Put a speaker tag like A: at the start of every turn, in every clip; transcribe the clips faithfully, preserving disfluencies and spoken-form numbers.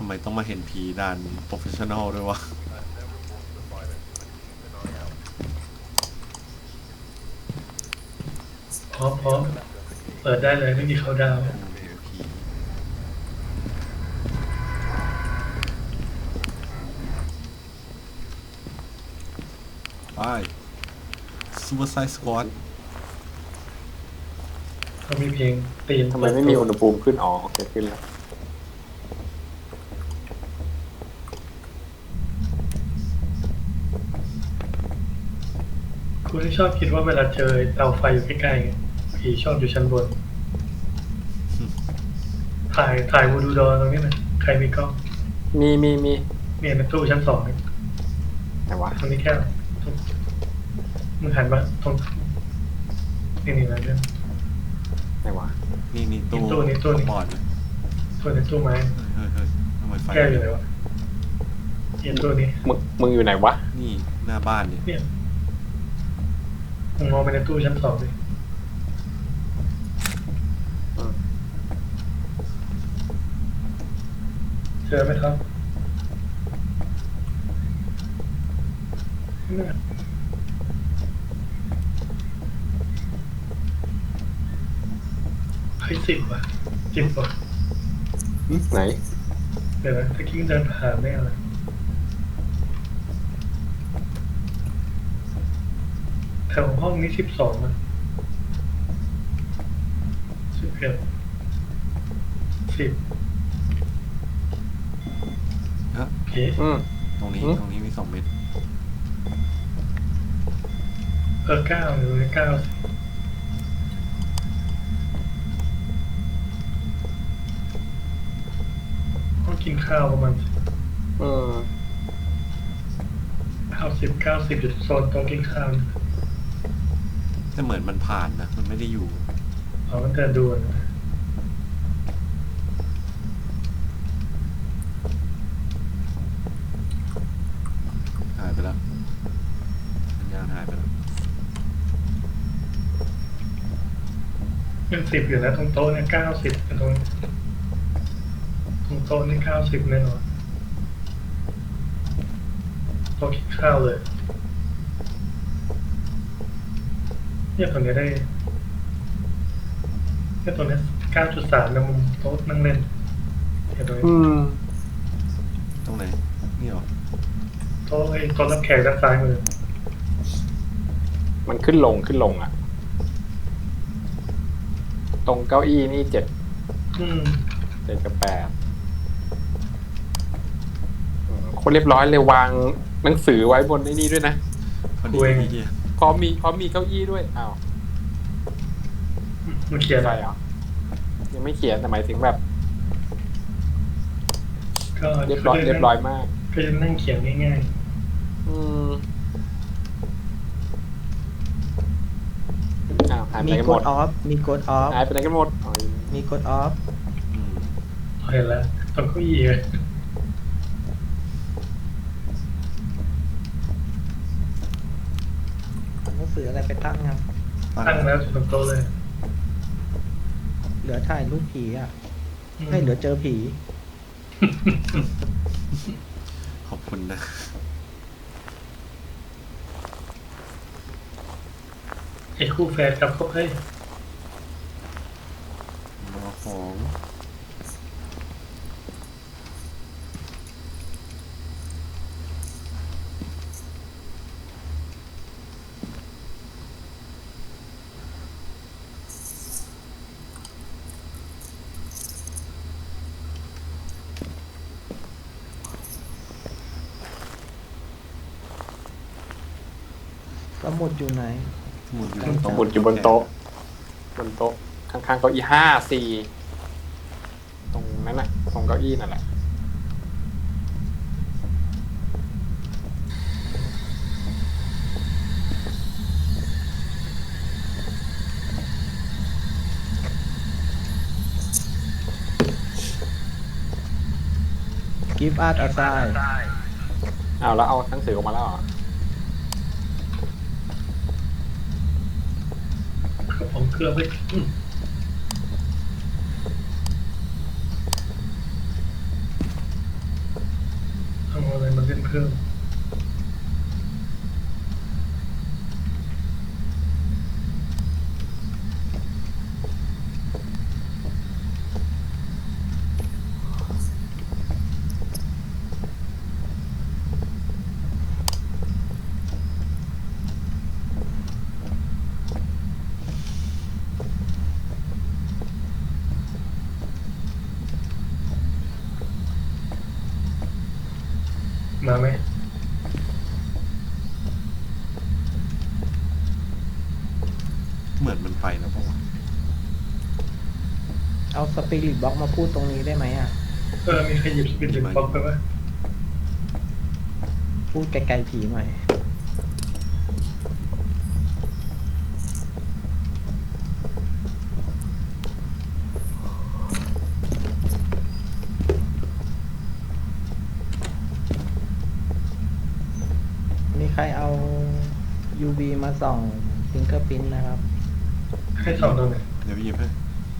A: ไมต้องมาเห็นผีด่านโปรเฟชชั่นอลด้วยวะ
B: พร้อมพร้อมเปิดได้เลยไม่มีเขาดาว
A: ไป Suicide Squad
B: เขามีเพลงตีม
C: ทำไมไม่มีอุณหภูมิขึ้นอ๋อโอเคขึ้นแล้ว
B: คุณที่ชอบคิดว่าเวลาเจอเตาไฟอยู่ใกล้ๆผีชอบอยู่ชั้นบน ถ่ายถ่ายวูดูดอตรงนี้นะใครมีกล้อง
C: มีมีมี
B: มีในตู้ชั้นสองนี่
C: ไหนวะ
B: ตรงนี้แค่มึงหันมาตรงนี่นี่นะเนี่ย
C: ไหนวะ
A: นี่นี่ตู้
B: ตู้นี้ตู้นี้
A: บอร์ดเลย
B: ตัวในตู้ไม้
A: เฮ้ยเฮ้ยทำไมไฟ
B: แก้วอยู่ไหนวะเย็นตัวนี้
C: มึงมึงอยู่ไหนวะ
A: นี่หน้าบ้านเนี่ย
B: เนี่ยมึงมองไปในตู้ชั้นสองดิเจอไหมครับเนี่ยเฮ้ยสิบว่ะสิบว่ะ
C: ไหน
B: เดี๋ยวนะตะกี้เดินผ่านได้อะไรแถวห้องนี้สิบสองนะสิบเอ็ดสิบ
A: ฮะ
B: โอเค
C: อืม
A: ตรงนี้
C: อืม
A: ตรงนี้มีสองเม็ด
B: เออเก้าหรือเก้าสิต้องกินข้าวประมาณ
C: อืม
B: เก้าสิบเก้าสิบอยู่โซนโต๊ะกินข้าว
A: แต่เหมือนมันผ่านนะมันไม่ได้อยู่
B: เอามันเดินดูนะ
A: หายไปแล้วสัญญาณหายไปแล้ว
B: ยังสิบอยู่นะตรงโต๊ะเนี่ยเก้าสิบตรงตรงโต๊ะนี่เก้าสิบแน่นอนโต๊ะกินข้าวเลยเนี่ยตรงนี้ได้เนี่ยตรงนี้เก้าจุดสามนะมุมโต๊ะนั่งเล่นเนี่ยตรงนี้
C: อืม
A: ตรงไหนนี่หรอ
B: โต๊ะไอ้โต๊ะรับแขกด้านซ้ายมือ
C: มันขึ้นลงขึ้นลงอ่ะ ตรงเก้าอี้นี่เจ็ด
B: อืม
C: เจ็ดกับแปดอืมคนเรียบร้อยเลยวางหนังสือไว้บนไอ้นี่ด้วยนะ
A: พอดีพี่เดีย
C: พร้อมมีพร้อมมีเก้าอี้ด้วยอ้าว
B: มันเขียน
C: ใช่เหรอยังไม่เขียนแต่หมายถึงแบบ
B: ก็
C: เรียบร้อยเรียบร้อยมาก
B: ก็จะนั่งเขียนง่าย
C: อืมอ้าวหายไป
D: มี
C: ไหนกัน
D: ก
C: หม
D: ด
C: ด
D: ออฟ มีกดออฟ
C: หายไปไหนกันหมดอ๋อ
D: มีกดออฟ
A: อืม
B: ๆเห็นแล้วตรงเก้าอี้เลย
D: หนังสืออะไรไปตั้งยัง
B: ตั้งแล้วตรงโต๊ะเลย
D: เหลือถ่ายรูปผีอ่ะ
B: อืม
D: ให้เหลือเจอผี
A: ขอบคุณนะ
B: ไอ้คู่แฟนกับเขาเฮ้ย
A: รอของ
D: สมุดอยู่ไหน
A: สมุดอยู่
C: สมุดอยู่บนโต๊ะ บนโต๊ะ ข้างๆเก้าอี้ห้าสี่ตรงนั้นน่ะ ตรงเก้าอี้นั่นแหละ
D: give us a sign
C: เอาแล้วเอาหนังสือออกมาแล้วเหรอ
B: ผมเคลือบไว้อืมเพิ่มมาไหม
A: เหมือนมันไปแล้วปะวะ
D: เอาสปิริตบล็อกมาพูดตรงนี้ได้ไหมอ่ะ
B: เออมีใครหยิบสปิริตบ็อกไปปะ
D: พูดไกลๆผีหน่อยมีใครเอา ยู วี มาส่องฟิงเกอร์พิ้นนะครับ
B: ให้สองตัวไหน
A: เดี๋ยวไปหยิบให้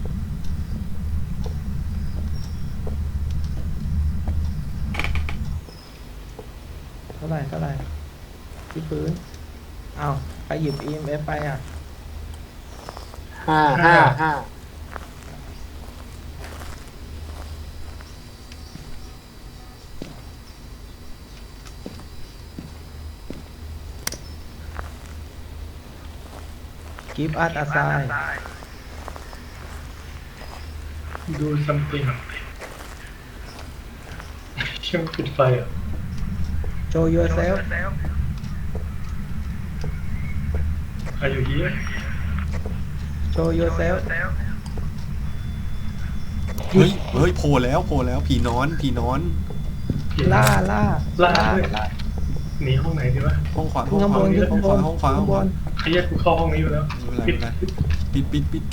D: เท่าไหร่เท่าไหร่ที่พื้นเอาไปหยิบ อี เอ็ม เอฟ ไปอ่ะ
C: ห้าห้าห้า
D: give us a sign
B: ดูซัมติงเชื่อมปิดไฟอ่ะ
D: show yourself
B: Are you here
D: show yourself
A: เฮ้ยเฮ้ยโผล่แล้วโผล่แล้วผีนอนผีนอน
D: ล่าล่า
B: ล่าด้วยหนีห้องไหนดีวะ
A: ห้องขวา
D: ขึ้
A: ห้
D: น
A: อง
D: ข้าง
A: ข
D: บ
A: วาน ห้องขวาห้องขวาห้องขวา
B: ไอ้เหี้ยกูเข้าห้องนี้อยู่แล้ว
A: ไม่เป็นไร
B: ปิ
A: ไม่
B: ด
A: เป็นไรปิดปิดปิด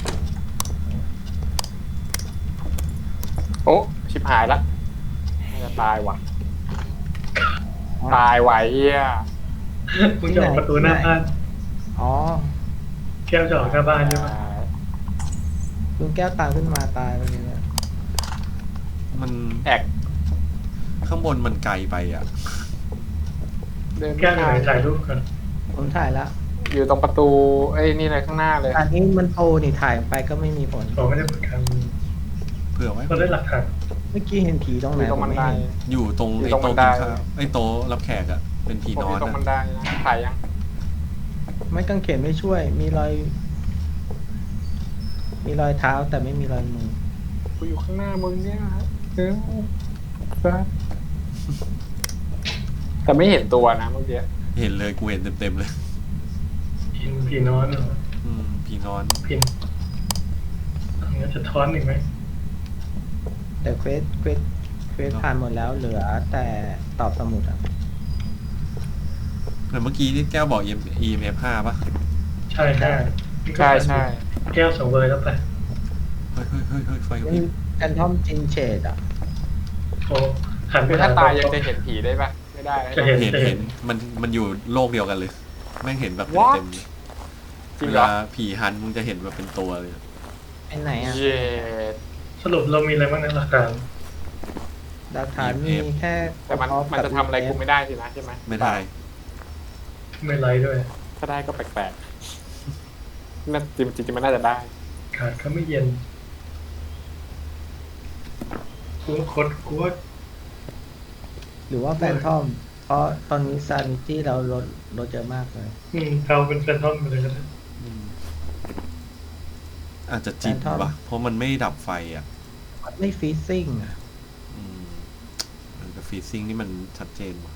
C: โอ้ชิบหายละน่าจะตายว่ะ ตายไหวเฮีย
B: มึงจะออกประตูหน้าบ้าน
D: อ๋อ
B: แก้วจะออกหน้าบ้านใช่ปะ
D: ลุงแก้วตามขึ้นมาตายไปเลยเนี่ย
A: มัน
C: แอก
A: ข้างบนมันไกลไปอ่ะ
C: เดิน
B: แก้วอยู่ไหนถ่ายรูปก่อน
D: ผมถ่ายละ
C: อยู่ตรงประตูเอ้ยนี่เลยข้างหน้าเลย
D: อันนี้มันโตนี่ถ่ายไปก็ไม่มีผล
B: ผมไม่ได้ประกัน
A: เผื่อไว้
B: เราได้หลักฐาน
D: เมื่อกี้เห็นผีตรง
C: อ
D: ไหน
C: ยู่ตรงบันได
D: ผมม่เห็น
A: อยู่ตรง
C: อยู่
A: ไอ้
C: ตรงบั
A: โต๊ะ
C: นได
A: กินข้าวไอ้โต๊ะรับแขกอ่ะเป็นผี
C: ผม
A: นอ
C: อน ยู่ตรงบัน
A: อะ
C: ไดนะถ่ายยัง
D: ไม่กางเขนไม่ช่วย มีรอย มีรอยเท้าแต่ไม่มีรอยมือ
C: กูอยู่ข้างหน้ามึงเนี่ยฮะเออซัดแต่ไม่เห็นตัวนะเมื่อกี้
A: เห็นเลยกูเห็นเต็มๆเลย
B: พินผีนอนเหรอ
A: อืมผีนอน
B: พินงั้นจะท้อนอีกไหม
D: แต่เควสเควสเควสผ่านหมดแล้วเหลือแต่ตอบสมุดอ่ะ
A: แต่เมื่อกี้ที่แก้วบอก อี เอ็ม เอฟ ห้าป่ะ
B: ใช่ใช่
C: ใช่ใช่
B: แก้วสองเบอร์แล้วไป
A: เฮ้ยเฮ้ยเฮ้ยเฮ้ยไฟกระพ
D: นี่
A: ริบ
D: แอนทอมจินเชดอ่ะ
B: โอ้หันไป
C: คือถ้าตายยังจะเห็นผีได้ปะไม่ได้
B: จะเห็น
A: เห็น
B: จะเห็
A: เห็
B: น
A: นมันมันอยู่โลกเดียวกันเลย แม่งเห็นแบบ
C: What?
A: เต็มๆเลย
C: จริง
A: เว
C: เหรอ
A: ลาผีฮันมึงจะเห็นแบบเป็นตัวเลย
D: ไอ้ไหนอ่ะ
C: เย้
B: สรุปเรามีอะไรบ้างในหลักฐาน
D: หลักฐานมีแค่
C: แต่มัน
D: ออฟ
C: มันจะทำอะไรกูไม่ได้สินะใช่ไหม
A: ไม่ได้
B: ไม่ไลท์ด้วย
C: ถ้าได้ก็แปลกๆน่าจริงจริงๆมันน่าจะได้
B: ขาดก็ไม่เย็นกูว่าคดกูว่า
D: หรือว่าแฟนทอม เพราะตอนนี้ซานิตี้เราลดลดเยอะมากเลย
B: อืมเราเป็นแฟนทอมไปเลยก็ได้
A: อืมอาจจะจิต
D: แฟนทอม
A: ว่ะเพราะมันไม่ดับไฟอ่ะ
D: ไม่ฟีซซิ่งอ่ะ
A: อืมเออแต่ฟีซิ่งนี่มันชัดเจนว่ะ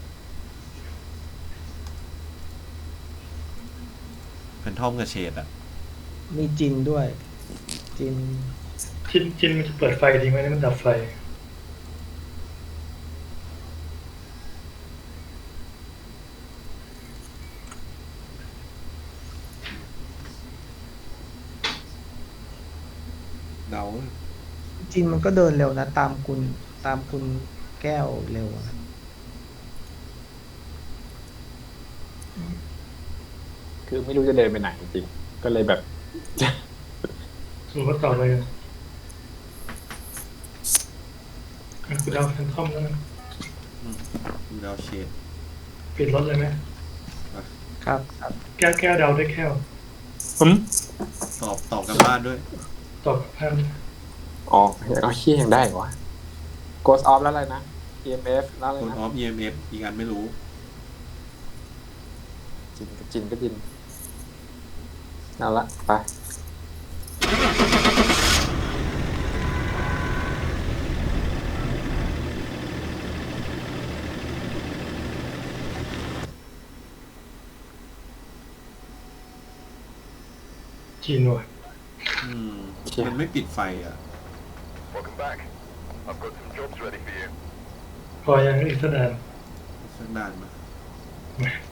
A: แฟนทอมกับเชดอ่ะ
D: มีจินด้วย จิน
B: จินจินมันจะเปิดไฟจริงไหมนี่มันดับไฟ
A: เดา
D: จินมันก็เดินเร็วนะ ตามคุณตามคุณแก้วเร็วอะ
C: คือไม่รู้จะเดินไปไหนจริงๆก็เลยแบบ
B: สมมติว่าต่อไปกันอ่ะกูเดาแฟนทอมแล้วกัน
A: อืมดูดาวเชด
B: ปิดรถเลยไหม
D: ครับครับ
B: แก้วแก้วเดาด้วยแก้ว
C: อืม
A: ตอบตอบกันบ้านด้วย
B: ตอบพัน
C: อ๋อเอาขี้ยังได้เหรอวะ Ghost Off แล้วอะไรนะ อี เอ็ม เอฟ แล้วอะไร
A: คน
C: นะ
A: ออฟ อี เอ็ม เอฟ อีกอันไม่รู้
C: จินก็จินก็จินเอาละไป
B: จีนว่ะ
A: อืมมันไม่ปิดไฟอ่ะ
E: Welcome back. I've got some jobs ready for you.
B: พอยังอีกสักนาน
A: สักนานมา
B: มา